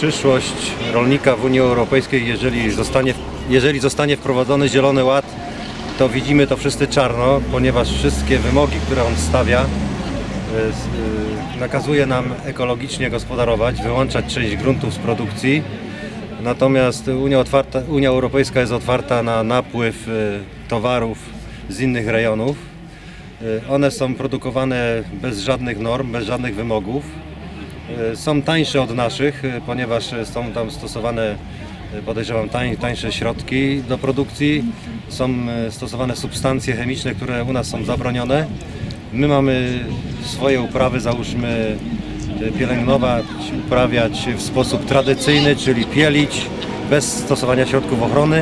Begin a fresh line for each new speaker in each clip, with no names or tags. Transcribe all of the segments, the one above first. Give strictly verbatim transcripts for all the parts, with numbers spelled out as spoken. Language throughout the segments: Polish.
przyszłość rolnika w Unii Europejskiej, jeżeli zostanie, jeżeli zostanie wprowadzony Zielony Ład, to widzimy to wszyscy czarno, ponieważ wszystkie wymogi, które on stawia, y, y, nakazuje nam ekologicznie gospodarować, wyłączać część gruntów z produkcji. Natomiast Unia, otwarta, Unia Europejska jest otwarta na napływ y, towarów z innych rejonów. Y, one są produkowane bez żadnych norm, bez żadnych wymogów. Y, są tańsze od naszych, y, ponieważ są tam stosowane, y, podejrzewam, tań, tańsze środki do produkcji. Są y, stosowane substancje chemiczne, które u nas są zabronione. My mamy swoje uprawy, załóżmy, pielęgnować, uprawiać w sposób tradycyjny, czyli pielić, bez stosowania środków ochrony,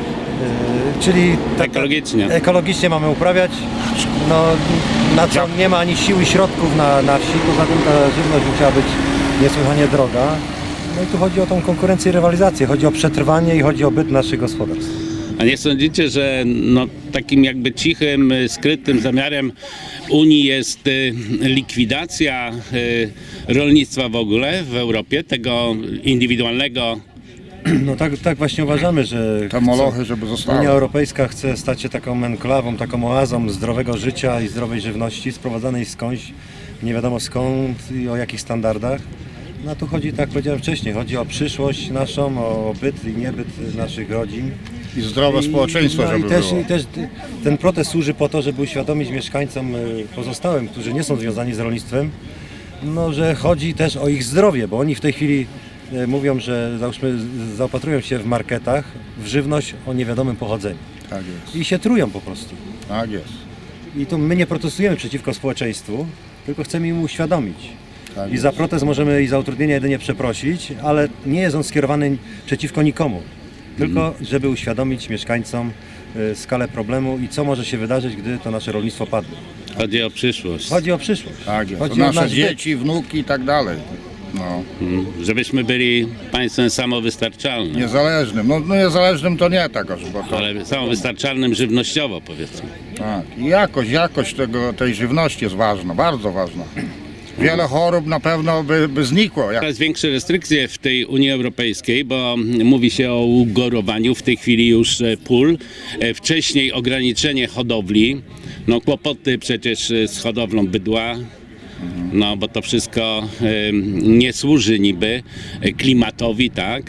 yy, czyli tak,
ekologicznie.
ekologicznie mamy uprawiać, no, na co nie ma ani siły środków na, na wsi, poza tym ta żywność musiała być niesłychanie droga. No i tu chodzi o tą konkurencję i rywalizację, chodzi o przetrwanie i chodzi o byt naszych gospodarstw.
A nie sądzicie, że no, takim jakby cichym, skrytym zamiarem Unii jest y, likwidacja y, rolnictwa w ogóle w Europie, tego indywidualnego?
No tak, tak właśnie uważamy, że
Te molochy, żeby zostały.
Unia Europejska chce stać się taką enklawą, taką oazą zdrowego życia i zdrowej żywności sprowadzanej skądś, nie wiadomo skąd i o jakich standardach. No tu chodzi, tak jak powiedziałem wcześniej, chodzi o przyszłość naszą, o byt i niebyt naszych rodzin.
I zdrowe społeczeństwo,
no
żeby
i też,
było.
i też ten protest służy po to, żeby uświadomić mieszkańcom y, pozostałym, którzy nie są związani z rolnictwem, no, że chodzi też o ich zdrowie, bo oni w tej chwili y, mówią, że załóżmy, zaopatrują się w marketach w żywność o niewiadomym pochodzeniu
Tak jest,
i się trują po prostu.
tak jest.
I tu my nie protestujemy przeciwko społeczeństwu, tylko chcemy im uświadomić.
Tak
I
jest.
za protest możemy i za utrudnienia jedynie przeprosić, ale nie jest on skierowany przeciwko nikomu. Tylko żeby uświadomić mieszkańcom y, skalę problemu i co może się wydarzyć, gdy to nasze rolnictwo padnie.
Chodzi o przyszłość.
Chodzi o przyszłość.
Tak jest. To
Chodzi o
nasze
nasz byt.
dzieci, wnuki i tak dalej. No.
Mm, Żebyśmy byli państwem samowystarczalnym,
Niezależnym. No, no niezależnym to nie tak aż, bo to...
ale samowystarczalnym żywnościowo, powiedzmy.
Tak. I jakość, jakość tego, tej żywności jest ważna, bardzo ważna. Wiele chorób na pewno by, by znikło. Jak...
Coraz większe restrykcje w tej Unii Europejskiej, bo mówi się o ugorowaniu w tej chwili już e, pól. E, Wcześniej ograniczenie hodowli, no kłopoty przecież e, z hodowlą bydła, no bo to wszystko e, nie służy niby e, klimatowi, tak?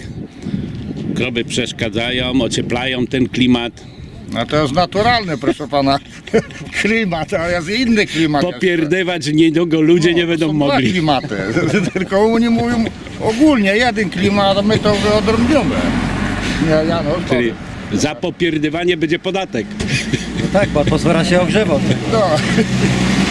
Krowy przeszkadzają, ocieplają ten klimat.
No to jest naturalny, proszę pana, klimat, a jest inny klimat.
Popierdywać niedługo ludzie
No,
nie będą
są
mogli.
Dwa klimaty, tylko oni mówią ogólnie jeden klimat, a my to wyodrębniamy. Nie, ja no,
Czyli za popierdywanie będzie podatek.
No tak, bo atmosfera się ogrzewa.
no.